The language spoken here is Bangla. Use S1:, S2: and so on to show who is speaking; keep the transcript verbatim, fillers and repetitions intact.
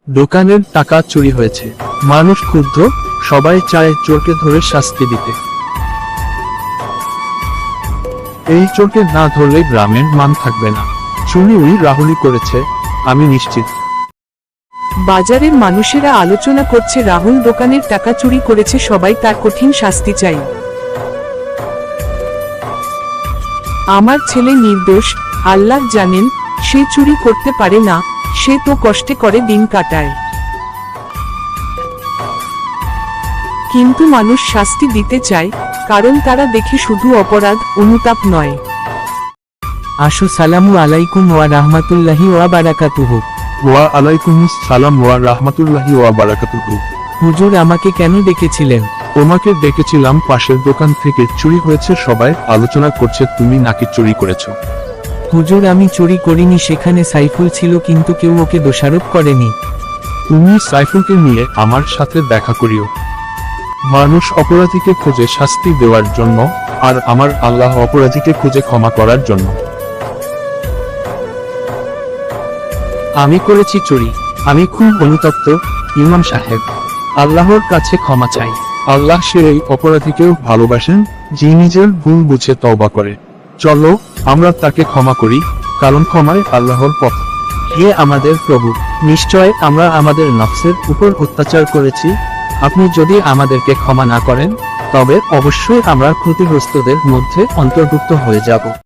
S1: দোকানের টাকা চুরি হয়েছে, মানুষ ক্ষুব্ধ, সবাই চায় চোরকে ধরে শাস্তি দিতে। এই চোরকে না ধরলে গ্রামের মান থাকবে না। চুরি ওই রাহুলই করেছে, আমি নিশ্চিত।
S2: বাজারের মানুষেরা আলোচনা করছে রাহুল দোকানের টাকা চুরি করেছে, সবাই তার কঠিন শাস্তি চাই। আমার ছেলে নির্দোষ, আল্লাহ জানেন, সে চুরি করতে পারে না, সে তো কষ্টে করে দিন কাটায়। কিন্তু মানুষ শাস্তি দিতে চায়, কারণ তারা দেখে শুধু অপরাধ, অনুতাপ নয়।
S3: আসো, সালামু আলাইকুম ওয়া রাহমাতুল্লাহি ওয়া বারাকাতুহু।
S1: ওয়া আলাইকুমুস সালাম ওয়া রাহমাতুল্লাহি ওয়া বারাকাতুহু।
S3: হুজুর, আমাকে কেন ডেকেছিলেন?
S1: তোমাকে ডেকেছিলাম, পাশের দোকান থেকে চুরি হয়েছে, সবাই আলোচনা করছে তুমি নাকি চুরি করেছো।
S3: হুজুর, আমি চুরি করিনি, সেখানে সাইফুল ছিল, কিন্তু কেউ ওকে দোষারোপ করেনি।
S1: তুমি সাইফুলকে নিয়ে আমার সাথে দেখা করিও। মানুষ অপরাধীকে খুঁজে শাস্তি দেওয়ার জন্য, আর আমার আল্লাহ অপরাধীকে খুঁজে ক্ষমা করার জন্য।
S3: আমি করেছি চুরি, আমি খুব অনুতপ্ত ইমাম সাহেব, আল্লাহর কাছে ক্ষমা চাই।
S1: আল্লাহ সেই অপরাধীকেও ভালোবাসেন, যে নিজের ভুল বুঝে তওবা করে। চলো আমরা তাকে ক্ষমা করি, কারণ ক্ষমায় আল্লাহর পথ।
S3: হে আমাদের প্রভু, নিশ্চয় আমরা আমাদের নফসের উপর অত্যাচার করেছি, আপনি যদি আমাদেরকে ক্ষমা না করেন, তবে অবশ্যই আমরা ক্ষতিগ্রস্তদের মধ্যে অন্তর্ভুক্ত হয়ে যাব।